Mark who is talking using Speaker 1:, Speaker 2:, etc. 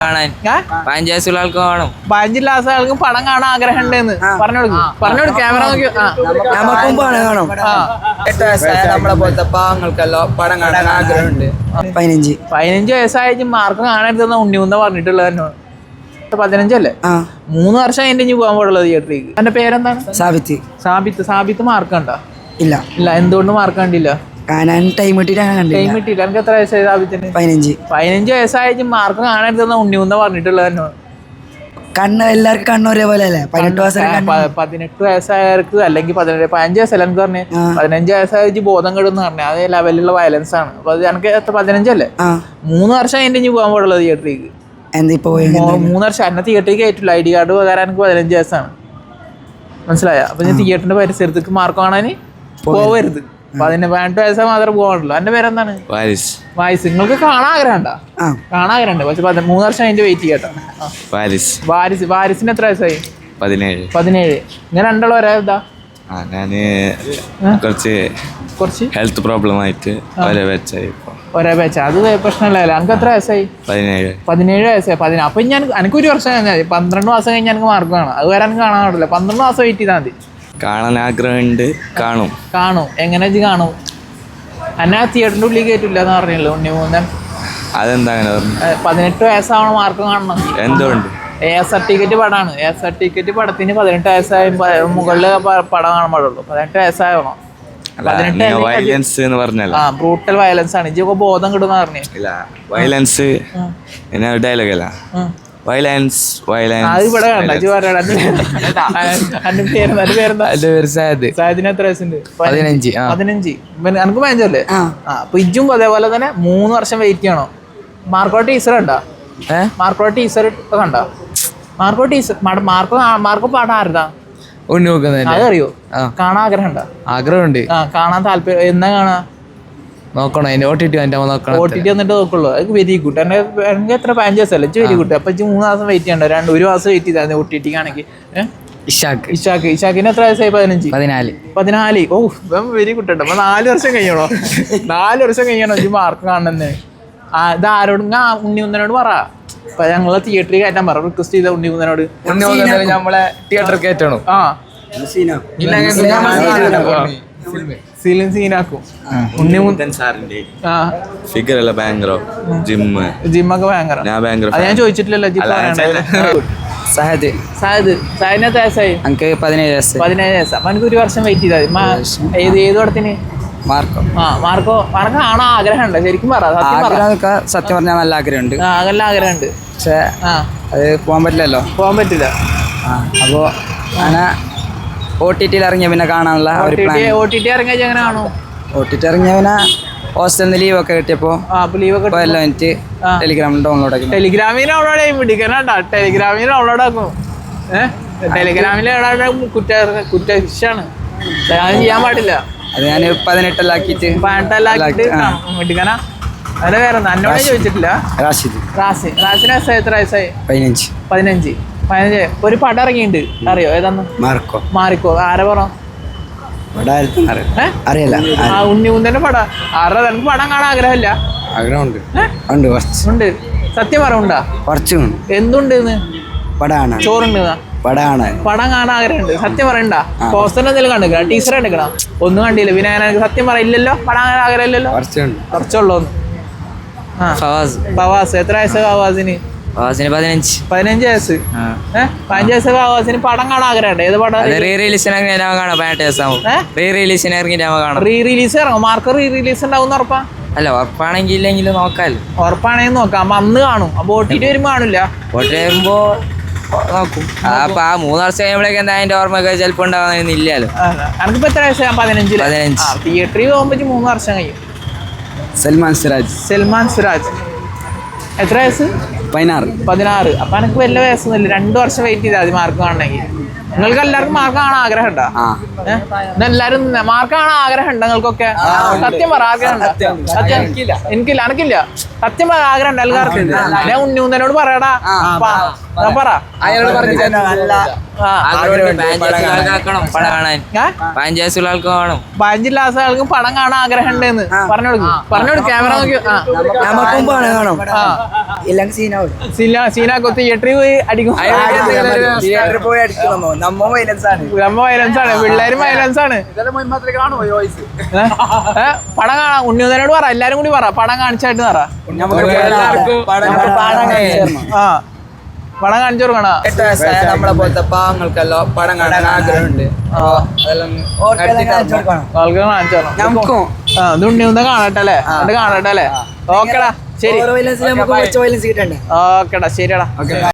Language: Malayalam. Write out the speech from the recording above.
Speaker 1: കാണാൻ 15 വയസ്സുള്ള ആൾക്ക് കാണും.
Speaker 2: 15 ആൾക്കും പടം കാണാൻ ആഗ്രഹം ഉണ്ടെന്ന് പറഞ്ഞോളൂ ക്യാമറ നോക്കി.
Speaker 1: നമുക്കും പടം കാണും. 8 വയസ്സായ നമ്മളെ പോലത്തെ പാവങ്ങൾക്കല്ലോ പടം കാണാൻ ആഗ്രഹമുണ്ട്.
Speaker 2: 15 വയസ്സായിട്ട് മാർക്ക് കാണരുതെന്ന് ഉണ്ണിമുന്ന പറഞ്ഞിട്ടുള്ളത് തന്നെ. 15 അല്ലേ? 3 വർഷം അതിന്റെ ഇനി പോകാൻ പാടുള്ളത് തിയേറ്ററിലേക്ക്. എന്റെ പേരെന്താണ്? സാബിത്ത് മാർക്ക് കണ്ട? ഇല്ല. എന്തുകൊണ്ട് മാർക്ക് കണ്ടില്ല?
Speaker 1: ടൈം കിട്ടിയില്ല.
Speaker 2: എനിക്ക് എത്ര വയസ്സായി സാബിത്തിന്? 15 വയസ്സായിട്ട് മാർക്ക് കാണരുതെന്ന് ഉണ്ണിമുന്ന പറഞ്ഞിട്ടുള്ളത് തന്നെ.
Speaker 1: കണ്ണ് എല്ലാവർക്കും കണ്ണ് ഒരേപോലെ അല്ലേ?
Speaker 2: 18 വയസ്സായവർക്ക് അല്ലെങ്കിൽ 15 വയസ്സല്ല എനിക്ക് പറഞ്ഞേ. 15 വയസ്സായിട്ട് ബോധം കെടുന്ന് പറഞ്ഞേ അതേ ലെവലിലുള്ള വയലൻസ് ആണ്. അപ്പൊ അത് എനിക്ക് 15 അല്ലേ? 3 വർഷം അതിന്റെ ഇനി പോകാൻ പാടുള്ളത് തിയേറ്ററിലേക്ക്. 3 വർഷം എന്നെ തിയേറ്ററിലേക്ക് കയറ്റില്ല. ID കാർഡ് പകരം എനിക്ക് 15 വയസ്സാണ്. മനസ്സിലായ? അപ്പൊ ഞാൻ തിയേറ്ററിന്റെ പരിസരത്തേക്ക് മാർക്ക് കാണാൻ പോവരുത്. 18 വയസ്സാ മാത്രമേ പോകാനുള്ളൂ. എന്റെ പേരെന്താണ്? വായിസ്. നിങ്ങൾക്ക് കാണാൻ ആഗ്രഹമുണ്ടോ? കാണാൻ ആഗ്രഹമുണ്ട്. പക്ഷെ 3 വർഷം അതിന്റെ വെയിറ്റ് ചെയ്യട്ടോ. വാരിസിന് എത്ര വയസ്സായി? 17. ഇങ്ങനെ രണ്ടാളും ഒരേ ഇതാ? കുറച്ച് ഹെൽത്ത് പ്രോബ്ലം ആയിട്ട് ഒരേ ബാച്ച്. അത് പ്രശ്നമില്ലല്ലോ. എനിക്ക് എത്ര വയസ്സായി? 17 വയസ്സായി. അപ്പൊ എനിക്കൊരു വർഷം കഴിഞ്ഞാൽ 12 മാസം കഴിഞ്ഞാൽ എനിക്ക് മാർക്ക് കാണാം. അത് വരെ എനിക്ക് കാണാൻ പാടില്ല. 12 മാസം വെയിറ്റ് ചെയ്താൽ മതി.
Speaker 3: കാണാൻ ആഗ്രഹമുണ്ട്.
Speaker 2: കാണും. എങ്ങനെ കാണും? എന്നെ തിയേറ്ററിന്റെ ഉള്ളിൽ കയറ്റില്ല എന്ന് പറഞ്ഞല്ലോ ഉണ്ണിമൂന്നൻ.
Speaker 3: അതെന്താ അങ്ങനെ?
Speaker 2: 18 വയസ്സാവണം മാർക്ക് കാണണം.
Speaker 3: എന്തുകൊണ്ട്?
Speaker 2: സർട്ടിഫിക്കറ്റ് പടമാണ്. സർട്ടിഫിക്കറ്റ് പടത്തിന് 18 വയസ്സായ മുകളിൽ പടം കാണാൻ പാടുള്ളൂ. 18 വയസ്സാവണം. ബ്രൂട്ടൽ വയലൻസ് ആണ്. ഇതൊക്കെ ബോധം കിട്ടുന്ന പറഞ്ഞു.
Speaker 3: വയലൻസ് ഡയലോഗല്ല. വയലൻസ്
Speaker 2: അത് ഇവിടെ കണ്ട. സായദിന് എത്ര വയസ്സുണ്ട്? 15. എനിക്ക് 15 അല്ലേ? അപ്പൊ ഇജും അതേപോലെ തന്നെ 3 വർഷം വെയിറ്റ് ചെയ്യണോ? മാർക്കോ ടീച്ചർ കണ്ട? മാർക്കോ ടീച്ചർ കണ്ട? മാർക്കോ പാടാ ആരുതാ? അതറിയോ? കാണാൻ ആഗ്രഹമുണ്ടോ?
Speaker 1: ആഗ്രഹമുണ്ട്.
Speaker 2: കാണാൻ താല്പര്യം. എന്നാ കാണാ?
Speaker 1: നോക്കണം. OTT
Speaker 2: വന്നിട്ട് നോക്കുള്ളൂ. അത് വെരി ഗുഡ്. എനിക്ക് എത്ര 15 വയസ്സല്ലേ? Very good. അപ്പൊ 3 മാസം വെയിറ്റ് ചെയ്യണ്ട. 1 മാസം വെയിറ്റ് ചെയ്താൽ OTT ആണെങ്കിൽ. ഇഷാക്കിന് എത്ര വയസ്സായി? 14. Oh very good. അപ്പൊ 4 വർഷം കഴിയണോ? 4 വർഷം കഴിയണോ ഈ മാർക്ക് കാണുന്നത്? ഇത് ആരോടും? ഉണ്ണിമുന്നനോട് പറ. അപ്പൊ ഞങ്ങളെ തിയേറ്ററിൽ കയറ്റാൻ പറ. റിക്വസ്റ്റ് ചെയ്ത ഉണ്ണിമുന്നനോട്.
Speaker 1: നമ്മളെ തിയേറ്ററിൽ കയറ്റണം.
Speaker 2: സീനാക്കും.
Speaker 3: ഫിഗറല്ല ഭയങ്കര.
Speaker 2: ജിമ്മൊക്കെ ഭയങ്കര. ഞാൻ ചോദിച്ചിട്ടില്ലല്ലോ. സായദിന് എത്ര വയസ്സായി?
Speaker 1: 17 വയസ്സ്.
Speaker 2: 17 വയസ്സ്. അപ്പൊ എനിക്ക് 1 വർഷം വെയിറ്റ് ചെയ്താൽ ഏത് പടത്തിന്? മാർക്കോ കാണാൻ ആഗ്രഹമുണ്ട്. ശരിക്കും പറ.
Speaker 1: സത്യം പറഞ്ഞാൽ നല്ല ആഗ്രഹമുണ്ട്.
Speaker 2: നല്ല ആഗ്രഹമുണ്ട്.
Speaker 1: പക്ഷെ അത് പോകാൻ പറ്റില്ല. അപ്പോ അങ്ങനെ OTT ഇറങ്ങിയ പിന്നെ കാണാനുള്ള
Speaker 2: OTT ഇറങ്ങിയ എങ്ങനെ കാണും?
Speaker 1: OTT ഇറങ്ങിയ പിന്നെ ഹോസ്റ്റലിൽ ലീവൊക്കെ കിട്ടിയപ്പോ ടെലിഗ്രാമിൽ ഡൗൺലോഡ് ആക്കി.
Speaker 2: ടെലിഗ്രാമിൽ ഡൗൺലോഡ് ചെയ്യും. പിടിക്കാനാ ടെലിഗ്രാമിൽ ഡൗൺലോഡ് ആക്കും. ടെലിഗ്രാമിൽ കുറ്റശിക്ഷാണ്. അത് ചെയ്യാൻ പാടില്ല.
Speaker 1: അത് ഞാൻ 18 ആക്കിയിട്ട്
Speaker 2: പിടിക്കാനാ. അതിന്റെ പേര് എന്നോട് ചോദിച്ചിട്ടില്ല. റാസിന് എത്ര വയസ്സായി? 15. ഒരു പടം ഇറങ്ങിയിട്ടുണ്ട്. അറിയോ ഏതാന്ന്? മാർക്കോ. ആരെ പറ?
Speaker 1: അറിയില്ല.
Speaker 2: ഉണ്ണിമുന്തന്റെ പടം. ആരുടെ? എനിക്ക് പടം കാണാൻ ആഗ്രഹമില്ല. ഉണ്ട്. സത്യം പറയണ്ടാ? എന്തുണ്ട്? ചോറുണ്ട്. പടം കാണാൻ ആഗ്രഹമുണ്ട്. സത്യം പറയണ്ട. പോസ്റ്റർ എന്തെങ്കിലും കണ്ടിക്കണം? ടീച്ചർ കണ്ടിക്കണം? ഒന്നും കണ്ടില്ല. പിന്നെ എനിക്ക് സത്യം പറയില്ലല്ലോ. പടം കാണാൻ ആഗ്രഹം ഇല്ലല്ലോ. കുറച്ചുള്ളൂന്ന്. ഫവാസ് എത്ര വയസ്സ്? ഫവാസിന്
Speaker 1: 15
Speaker 2: വയസ്സ്. 15 വയസ്സ് ഫവാസിന് പടം കാണാൻ ആഗ്രഹമുണ്ട്. ഏത് പടം?
Speaker 1: റീ റിലീസ്
Speaker 2: ഇറങ്ങും. മാർക്ക് റീ റിലീസ് ഉണ്ടാവും ഉറപ്പാ?
Speaker 1: അല്ല, ഉറപ്പാണെങ്കിൽ ഇല്ലെങ്കിലും നോക്കാല്ലോ.
Speaker 2: ഉറപ്പാണെങ്കിൽ നോക്കാം. അപ്പൊ അന്ന് കാണും. അപ്പൊ OTT വരുമ്പോ കാണില്ല.
Speaker 1: വരുമ്പോ നോക്കും. അപ്പൊ 3 വർഷം കഴിയുമ്പോഴേക്ക് എന്താ അതിന്റെ ഓർമ്മയൊക്കെ ചിലപ്പോ ഉണ്ടാവുന്നില്ലല്ലോ.
Speaker 2: എനിക്കിപ്പോ എത്ര വയസ്സ്? 15. തിയേറ്ററിൽ പോകുമ്പോ 3 വർഷം കഴിയും.
Speaker 1: സൽമാൻ സിറാജ്
Speaker 2: എത്ര വയസ്സ്?
Speaker 1: 16.
Speaker 2: അപ്പൊ എനിക്ക് വലിയ വയസ്സൊന്നുമില്ല. 2 വർഷം വെയിറ്റ് ചെയ്താൽ മതി മാർക്ക് കാണണമെങ്കിൽ. നിങ്ങൾക്ക് എല്ലാവർക്കും മാർക്ക് കാണാൻ ആഗ്രഹം ഉണ്ടോ? എല്ലാരും മാർക്ക് കാണാൻ ആഗ്രഹം ഉണ്ടോ നിങ്ങൾക്കൊക്കെ? സത്യം പറ, ആഗ്രഹം ഉണ്ടോ? എനിക്കില്ല, അനക്കില്ല. സത്യം പറ, ആഗ്രഹം ഉണ്ട് എല്ലാവർക്കും. ഞാൻ ഉണ്ണിയോട് പറയടാ, പറ.
Speaker 1: അയാളോട് പറഞ്ഞു പടം കാണാൻ 15 ആൾക്കും 15
Speaker 2: ആൾക്കും പടം കാണാൻ ആഗ്രഹം ഉണ്ടെന്ന് പറഞ്ഞോട് ക്യാമറ നോക്കി. സീനാക്കോ തിയേറ്ററിൽ പോയി അടിക്കും. വയലൻസ് ആണ്, പിള്ളേരും വയലൻസ് ആണ്. പടം കാണാൻ ഉണ്ണിയോട് പറ, എല്ലാരും കൂടി പറ, പടം കാണിച്ചായിട്ട് പറ. പടം കാണിച്ചു കൊടുക്കണ.
Speaker 1: നമ്മളെ പോലത്തെ പാവങ്ങൾക്കെല്ലാം പടം കാണാൻ ആഗ്രഹമുണ്ട്.
Speaker 2: ഇത് ഉണ്ണിയൊന്ന് കാണട്ടെ അല്ലേ? ഓക്കെടാ, ശരി. ഓക്കെടാ, ശരിയടാ.